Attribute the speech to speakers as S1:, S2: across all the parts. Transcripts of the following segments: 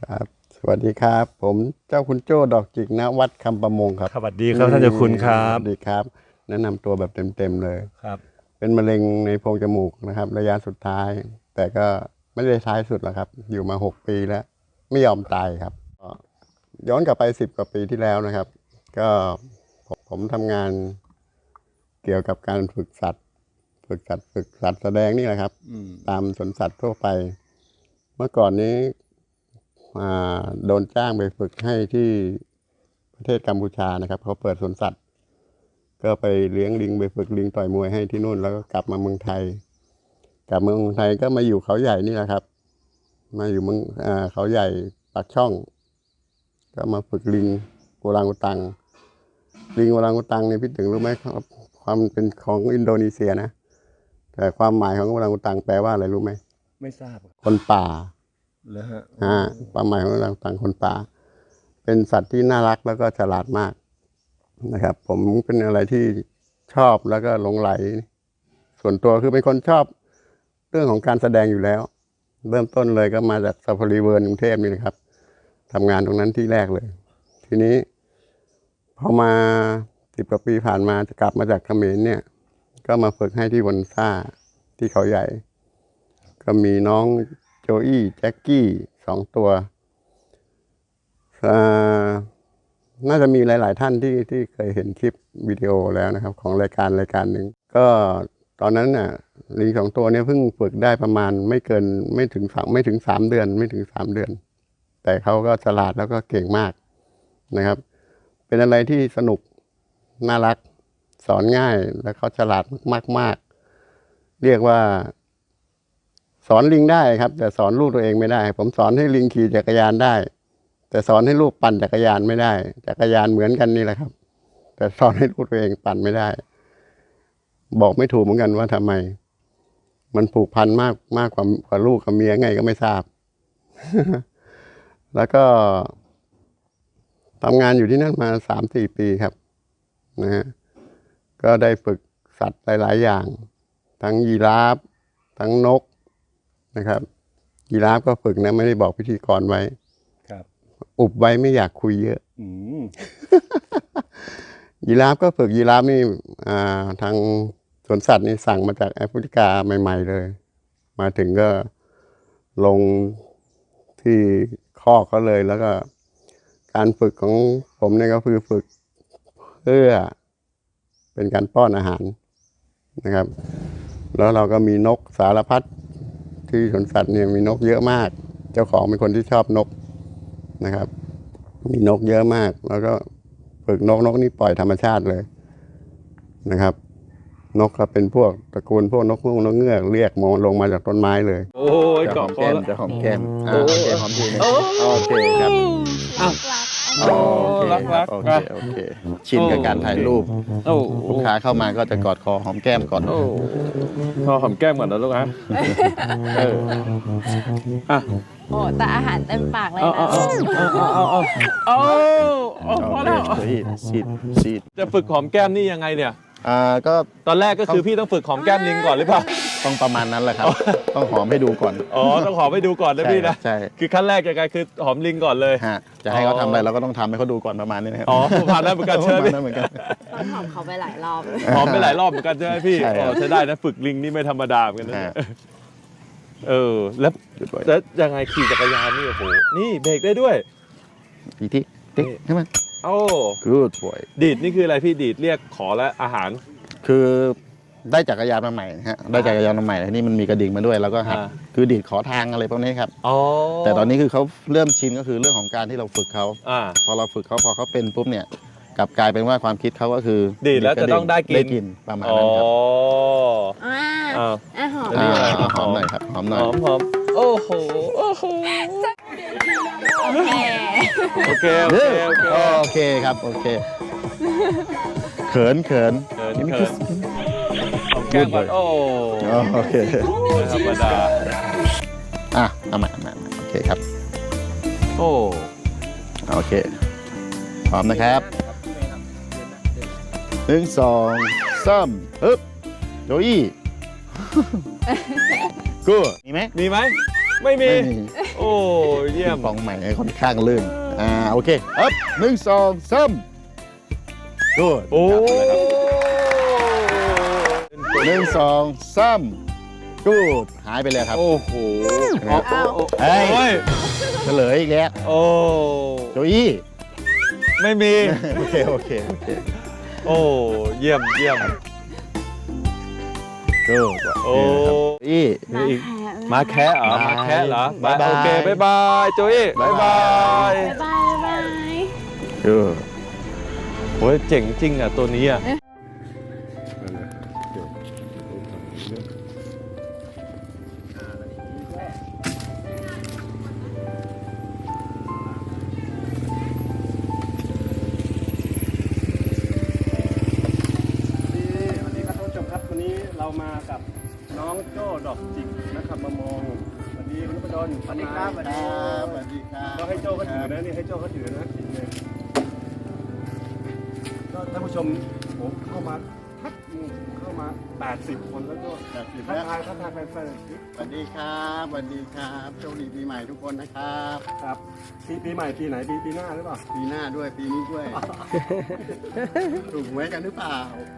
S1: ครับสวัสดีครับผมเจ้าคุณโจ้ดอกจิกณวัดคำประมงครับ
S2: สวัสดีครับท่านเจ้าคุณครับ
S1: สวัสดีครับแนะนำตัวแบบเต็มเลย
S2: ครับ
S1: เป็นมะเร็งในโพรงจมูกนะครับระยะสุดท้ายแต่ก็ไม่ได้ท้ายสุดหรอกครับอยู่มา6 ปีแล้วไม่ยอมตายครับก็ย้อนกลับไป10 กว่าปีที่แล้วนะครับก็ผมทำงานเกี่ยวกับการฝึกสัตว์แสดงนี่แหละครับตามสวนสัตว์ทั่วไปเมื่อก่อนนี้โดนจ้างไปฝึกให้ที่ประเทศกัมพูชานะครับเขาเปิดสวนสัตว์ก็ไปเลี้ยงลิงไปฝึกลิงต่อยมวยให้ที่นู่นแล้วก็กลับมาเมืองไทยก็มาอยู่เขาใหญ่นี่แหละครับมาอยู่เมืองเขาใหญ่ปากช่องก็มาฝึกลิงโอรังอุตังลิงโอรังอุตังเนี่ยพี่ถึงรู้ไหมครับความเป็นของอินโดนีเซียนะแต่ความหมายของโอรังอุตังแปลว่าอะไรรู้ไหม
S2: ไม่ทราบ
S1: คนป่า
S2: แล้วฮะ
S1: ความหมายของโอรังอุตังคนป่าเป็นสัตว์ที่น่ารักแล้วก็ฉลาดมากนะครับผมเป็นอะไรที่ชอบแล้วก็หลงไหลส่วนตัวคือเป็นคนชอบเรื่องของการแสดงอยู่แล้วเริ่มต้นเลยก็มาจากซาฟารีเวิร์นกรุงเทพนี่นะครับทำงานตรงนั้นที่แรกเลยทีนี้พอมา10 กว่าปีผ่านมาจะกลับมาจากเขมรเนี่ยก็มาฝึกให้ที่วันซ่าที่เขาใหญ่ก็มีน้องโจอี้แจ็คกี้2 ตัวน่าจะมีหลายๆท่านที่เคยเห็นคลิปวิดีโอแล้วนะครับของรายการหนึ่งก็ตอนนั้นน่ะลิง2 ตัวเนี่ยเพิ่งฝึกได้ประมาณไม่ถึง3 เดือนแต่เขาก็ฉลาดแล้วก็เก่งมากนะครับเป็นอะไรที่สนุกน่ารักสอนง่ายและเขาฉลาดมากเรียกว่าสอนลิงได้ครับแต่สอนลูกตัวเองไม่ได้ผมสอนให้ลิงขี่จักรยานได้แต่สอนให้ลูกปั่นจักรยานไม่ได้จักรยานเหมือนกันนี่แหละครับแต่สอนให้ลูกตัวเองปั่นไม่ได้บอกไม่ถูกเหมือนกันว่าทำไมมันผูกพันมากกว่าลูกกับเมียไงก็ไม่ทราบ แล้วก็ทำงานอยู่ที่นั่นมา3-4 ปีครับนะฮะก็ได้ฝึกสัตว์หลายๆอย่างทั้งยีราฟทั้งนกนะครับยีราฟก็ฝึกนะไม่ได้บอกพิธีกรไว้อุบไว้ไม่อยากคุยเยอะยีราฟก็ฝึกยีราฟนี่ทางสวนสัตว์นี่สั่งมาจากแอฟริกาใหม่ๆเลยมาถึงก็ลงที่คอกเขาเลยแล้วก็การฝึกของผมเนี่ยก็คือฝึกเพื่อเป็นการป้อนอาหารนะครับแล้วเราก็มีนกสารพัดที่สวนสัตว์เนี่ยมีนกเยอะมากเจ้าของเป็นคนที่ชอบนกนะครับมีนกเยอะมากแล้วก็ฝึกนกนี่ปล่อยธรรมชาติเลยนะครับนกก็เป็นพวกตระกูลพวกนกฮูกนกเงือกเรียกมองลงมาจากต้นไม้เลย
S2: โอ้ยเกาะคอแล้ว
S1: จะหอมแก้มโอเคหอมทีนึงโอเคครับโอเคชินกับการถ่ายรูปลูกค้าเข้ามาก็จะกอดคอหอมแก้มก่อน
S2: พอหอมแก้มก่อนนะลูกฮะ
S3: โอ้แต่อาหารเต็มปากเลยนะ
S2: พอแล้ว
S1: ฉีด
S2: จะฝึกหอมแก้มนี่ยังไงเนี่ย
S1: ก็
S2: ตอนแรกก็คือพี่ต้องฝึกหอมแก้มลิงก่อนหรือเปล่า
S1: ต้องประมาณนั้นแหละครับต้องหอมให้ดูก่อน
S2: ต้องหอมให้ดูก่อนนะพี่นะ
S1: ใช่
S2: คือขั้นแรกยังไงคือหอมลิงก่อนเลย
S1: จะให้เขาทำอะไรเราก็ต้องทำให้เขาดูก่อนประมาณนี้นะครับ
S2: ประมาณนั้นเหมือนกันใช่ไหม
S3: ตอนหอมเขาไปหลายรอบ
S2: หอมไปหลายรอบเหมือนกันใช่ไหมพี่ใช้ได้นะฝึกลิงนี่ไม่ธรรมดาเหมือนกันนะแล้วยังไงขี่จักรยานนี่โอ้โหนี่เบรกได้ด้วย
S1: อีกทีติ๊กใช่ไหมgood boy
S2: ดีดนี่คืออะไรพี่ดีดเรียกขอและอาหาร
S1: คือได้จักรยานมาใหม่ฮะได้จักรยานมาใหม่นี่มันมีกระดิ่งมาด้วยแล้วก็หัดคือดีดขอทางอะไรพวกนี้ครับแต่ตอนนี้คือเขาเริ่มชินก็คือเรื่องของการที่เราฝึกเขาพอเราฝึกเขาพอเขาเป็นปุ๊บเนี่ยกลับกลายเป็นว่าความคิดเขาก็คือ
S2: ดีดแล้วจะต้องได้กิน
S1: ประมาณนั้นครับหอมหน่อยครับหอมหน่อย
S2: หอมโอ้โหโอเค
S1: ครับโอเคเขิน
S2: นี่คือแก้มก่อน
S1: โอเค
S2: ธรรมดา
S1: เอามาโอเคครับโอเคพร้อมนะครับ1 2 3ฮึบโจอี้กูมีไหม
S2: ไม่มี
S4: ไม่มี
S2: โอ้เยี่ยม
S4: ปองใหม่ค่อนข้างลื่นโอเคอัพ1 2 3ดูด
S2: โอ้
S4: 1 2 3ดูดหายไปเลยครับ
S2: โอ้โห
S4: เฮ้ย
S2: โอ้ย
S4: เฉลยอีกแล้ว
S2: โอ้
S4: โจอี้
S2: ไม่มี
S4: โอเคโอเค
S2: โอ้เยี่ยมเยี่ยม
S4: ดูด
S2: โอ้
S4: อี้
S2: มีอีกมาแคะเหรอมาแคะเหรอ
S4: บ๊ายบาย
S2: โอเคบ๊ายบายโจอี้บ๊ายบาย
S3: บ๊ายบายบ๊ายบาย
S4: ดูด
S2: โอ้ยเจ๋งจริงอ่ะตัวนี้อ่ะ
S5: สวัสดีครับท่านผู้ชมครับวันนี้เรามากับน้องโจ้ดอกจิกนะครับมามองสวัสดีคุณพดลสวัสดีครับ
S1: สวัสดีครับ
S5: ก็ให้โจ้เขาถือนะนี่ให้โจ้เขาถือนะจิกเลยก็ท่านผู้ชมผมเข้ามาเข้ามา80 คนแล้วโจ้
S1: 80
S5: ทัก
S1: แล้ว
S5: ทายแฟน
S1: สวัสดีครับสวัสดีครับโชคดีปีใหม่ทุกคนนะครับ
S5: ๆครับปีใหม่ปีไหนปีหน้าหรือเปล่า
S1: ปีหน้าด้วยปีนี้ด้วย ถูกหวยกันหรือเปล่า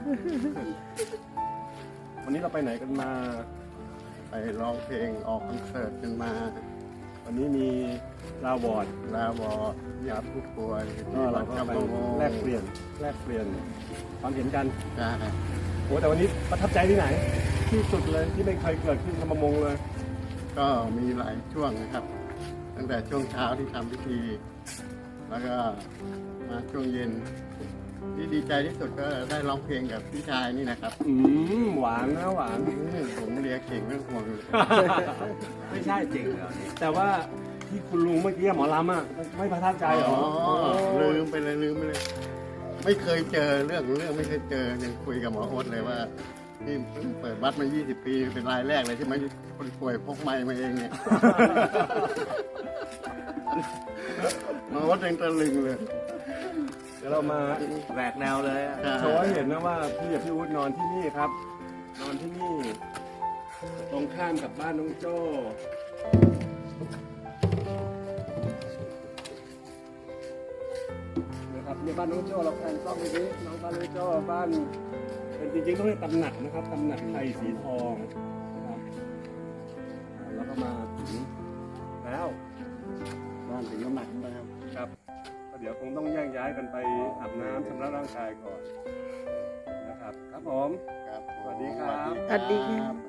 S5: วันนี้เราไปไหนกันมา
S1: ไปร้องเพลงออกคอนเสิร์ตกันมา
S5: วันนี้มีลาวอร์ด
S1: ลาวอญาติผู้ป่วย
S5: ก็
S1: ที่
S5: เรา
S1: วัด
S5: ก็
S1: กำ
S5: ไป
S1: มะโม
S5: แลกเปลี่ยนความเห็นกัน
S1: ใช่
S5: โอ้แต่วันนี้ประทับใจที่ไหน ที่สุดเลยที่ไม่เคยเกิดขึ้นทำประมงเลย
S1: ก็มีหลายช่วงนะครับ ตั้งแต่ช่วงเช้าที่ทำพิธี แล้วก็มาช่วงเย็น ที่ดีใจที่สุดก็ได้ร้องเพลงกับพี่ชายนี่นะครับ
S5: หวานนะหวาน
S1: ผมเรียกเก่งเรื่องห่วงเลย
S5: ไม่ใช่จริงเหรอแต่ว่าที่คุณลุงเมื่อกี้หมอลำอ่ะไม่ประทับใจเหรอ
S1: ลืมไปเลย ไม่เคยเจอเรื่องไม่เคยเจอยังคุยกับหมอโอ๊ตเลยว่านี่เพิ่งเปิดวัดมา 20 ปีเป็นรายแรกเลยที่ไม่คนป่วยพกไม้มาเองเนี่ย หมอโอ๊ตยังตะลึงเลย
S5: เดี๋ยวเรามา
S6: แหวกแนวเลยอะ
S5: โชว์ให้เห็นนะว่าพี่กับพี่อุ๊ดนอนที่นี่ครับ นอนที่นี่ ตรงข้ามกับบ้านน้องโจ้นะครับเนี่ยบ้านน้องโจ้เราแพนกล้องไปดิน้องบ้านน้องโจ้บ้านเป็นจริงๆต้องเรียกตำหนักนะครับตำหนักไทยสีทองนะครับแล้วก็มาถึงแล้ว
S1: บ้านถึงน้ำหนักนะครับ
S5: ครับก็เดี๋ยวคงต้องแยกย้ายกันไปอาบน้ำชำระร่างกายก่อนนะครับ ครับผม
S1: ครับ
S5: สวัสดีครับ
S1: สวัสดีครับ